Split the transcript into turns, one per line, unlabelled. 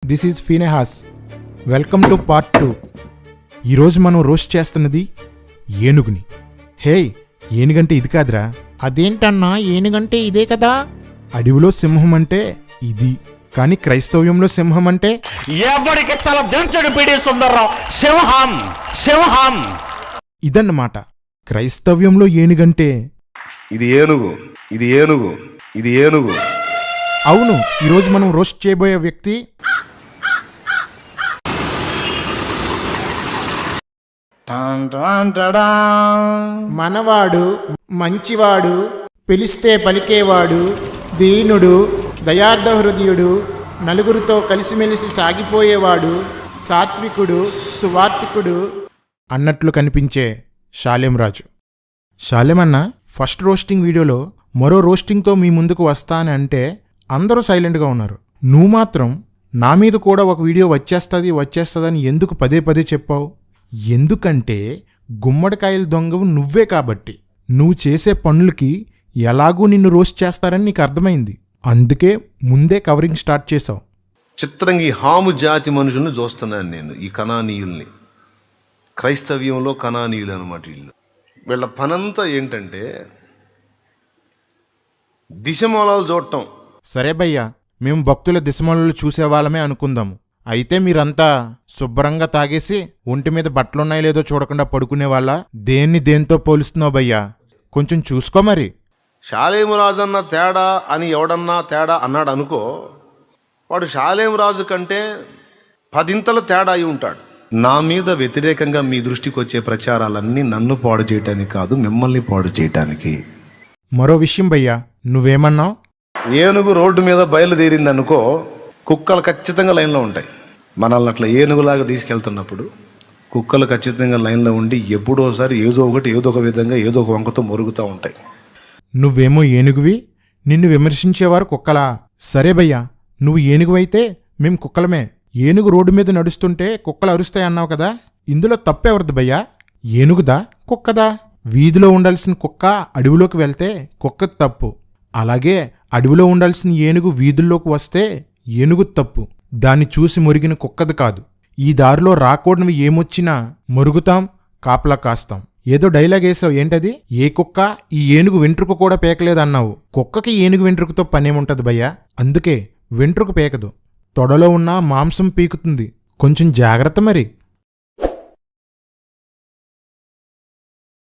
This is Phinehas. Welcome to part 2. ఈరోజు మనం roast చేస్తున్నది ఏనుగుని. హే, ఏనుగంటే ఇది కాదురా.
అదేంటన్నా, ఏనుగంటే ఇదే కదా.
అడవిలో సింహం అంటే ఇది, కానీ క్రైస్తవ్యంలో సింహం అంటే
ఎవరికి తల దించడు పిడి సుందర్రావు. సింహం సింహం
ఇదన్నమాట. క్రైస్తవ్యంలో ఏనుగంటే
ఇది ఏనుగు, ఇది ఏనుగు, ఇది ఏనుగు.
అవును. ఈరోజు మనం రోస్ట్ చేయబోయే వ్యక్తి మనవాడు, మంచివాడు, పిలిస్తే పలికేవాడు, దీనుడు, దయార్థ హృదయుడు, నలుగురితో కలిసిమెలిసి సాగిపోయేవాడు, సాత్వికుడు, సువార్తికుడు అన్నట్లు కనిపించే షాలేం రాజు. షాలేం అన్న ఫస్ట్ రోస్టింగ్ వీడియోలో మరో రోస్టింగ్తో మీ ముందుకు వస్తానని అంటే అందరూ సైలెంట్గా ఉన్నారు. నువ్వు మాత్రం నా మీద కూడా ఒక వీడియో వచ్చేస్తుందని ఎందుకు పదే పదే చెప్పావు? ఎందుకంటే గుమ్మడికాయల దొంగవు నువ్వే కాబట్టి. నువ్వు చేసే పనులకి ఎలాగూ నిన్ను రోస్ట్ చేస్తారని నీకు అర్థమైంది. అందుకే ముందే కవరింగ్ స్టార్ట్ చేశావు.
చిత్రంగా ఈ హాము జాతి మనుషుల్ని చూస్తున్నాను నేను, ఈ కనానీయుల్ని. క్రైస్తవ్యంలో కనానీయులు అనమాట వీళ్ళు. వీళ్ళ పనంతా ఏంటంటే దిశమూలాలు చూడటం.
సరే భయ్యా, మేము భక్తుల దిశమలు చూసేవాళ్ళమే అనుకుందాము. అయితే మీరంతా శుభ్రంగా తాగేసి ఒంటి మీద బట్టలున్నాయో లేదో చూడకుండా పడుకునే వాళ్ళ? దేంతో పోలుస్తున్నావు భయ్యా? కొంచెం చూసుకో మరి.
షాలేము రాజు అన్న తేడా అని ఎవడన్నా తేడా అన్నాడు అనుకో, వాడు షాలేము రాజు కంటే 10 తేడా అయి ఉంటాడు. నా మీద వ్యతిరేకంగా మీ దృష్టికి వచ్చే ప్రచారాలన్నీ నన్ను పాడు చేయటానికి కాదు, మిమ్మల్ని పాడు చేయటానికి.
మరో విషయం భయ్యా, నువ్వేమన్నావు?
ఏనుగు రోడ్డు మీద బయలుదేరింది అనుకో, కుక్కలు ఖచ్చితంగా లైన్లో ఉంటాయి. మనల్ని అట్లా ఏనుగులాగా తీసుకెళ్తున్నప్పుడు కుక్కలు ఖచ్చితంగా లైన్లో ఉండి ఎప్పుడోసారి ఏదో ఒక విధంగా ఏదో ఒక వంకతో మొరుగుతూ ఉంటాయి.
నువ్వేమో ఏనుగువి, నిన్ను విమర్శించేవారు కుక్కలా? సరే భయ్యా, నువ్వు ఏనుగువైతే మేం కుక్కలమే. ఏనుగు రోడ్డు మీద నడుస్తుంటే కుక్కలు అరుస్తాయి అన్నావు కదా, ఇందులో తప్పెవరిది భయ్యా? ఏనుగుదా కుక్కదా? వీధిలో ఉండాల్సిన కుక్క అడవిలోకి వెళ్తే కుక్కది తప్పు. అలాగే అడవిలో ఉండాల్సిన ఏనుగు వీధుల్లోకి వస్తే ఏనుగు తప్పు. దాన్ని చూసి మురిగిన కుక్కది కాదు. ఈ దారిలో రాకూడనివి ఏమొచ్చినా మురుగుతాం, కాపలా కాస్తాం. ఏదో డైలాగ్ వేసావు, ఏంటది? ఏ కుక్క ఈ ఏనుగు వెంట్రుక కూడా పేకలేదన్నావు. కుక్కకి ఏనుగు వెంట్రుకతో పనేముంటది భయ్యా? అందుకే వెంట్రుక పేకదు, తొడలో ఉన్న మాంసం పీకుతుంది. కొంచెం జాగ్రత్త మరి.